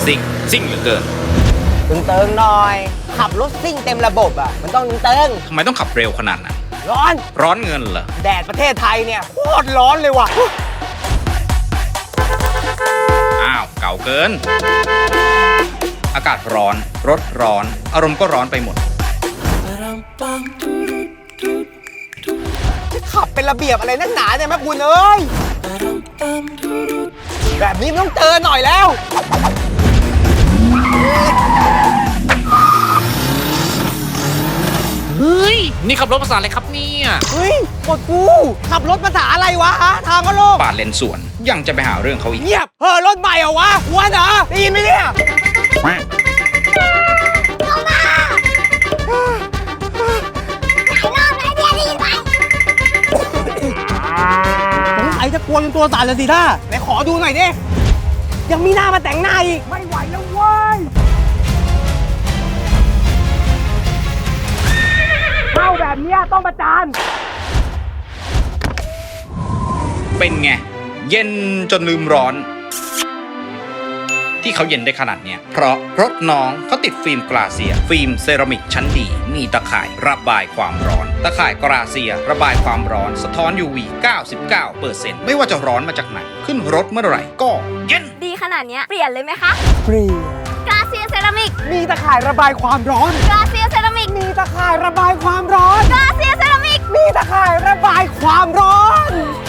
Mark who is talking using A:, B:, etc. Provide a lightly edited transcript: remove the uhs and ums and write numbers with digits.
A: ซิ่งเหลือเกิน
B: ตึงเติงหน่อย ขับรถซิ่งเต็มระบบอ่ะมันต้องตึงเติง
A: ทำไมต้องขับเร็วขนาดนั้น
B: ร้อน
A: ร้อนเงินเหรอ
B: แดดประเทศไทยเนี่ยโคตรร้อนเลยว่ะ
A: อ้าว เก่าเกิน อากาศร้อน รถร้อน อารมณ์ก็ร้อนไปหมด
B: ขับเป็นระเบียบอะไรนักหนาเนี่ยแม่คุณเอ้ย แบบนี้มันต้องเตือนหน่อยแล้ว
C: เฮ้ย นี่ขับรถภาษาอะไรครับเนี่ย
B: เฮ้ยกดกูขับรถภาษาอะไรวะฮะทางก็โลก
A: ปาดเลนสวน ยังจะไปหาเรื่องเขาอีก
B: เงียบเฮ้อรถใหม่เหรอวะหัวเหรอได้ยินไหมเนี่ยสงสัยจะกลัวจนตัวสั่นเลยสิท่าไหนขอดูหน่อยดิยังมีหน้ามาแต่งหน้าอีกไม่ไหวแล้วเว้ยเข้าแบบเนี้ยต้องประจาน
A: เป็นไง เย็นจนลืมร้อน ที่เขาเย็นได้ขนาดเนี้ยเพราะรถน้องเขาติดฟิล์มกราเซีย ฟิล์มเซรามิกชั้นดี มีตะข่ายระบายความร้อน ตะข่ายกราเซียระบายความร้อนสะท้อน UV 99% ไม่ว่าจะร้อนมาจากไหน ขึ้นรถเมื่อไหร่ก็เย็น
D: ดีขนาดเนี้ยเปลี่ยนเลยไหมคะ
B: ฟรี
D: กราเซียเซรามิก
B: มีตะข่ายระบายความร้อน
D: กราเซียเซรามิก
B: มีตะข่ายระบายความร้อน
D: กราเซียเซรามิก
B: มีตะข่ายระบายความร้อน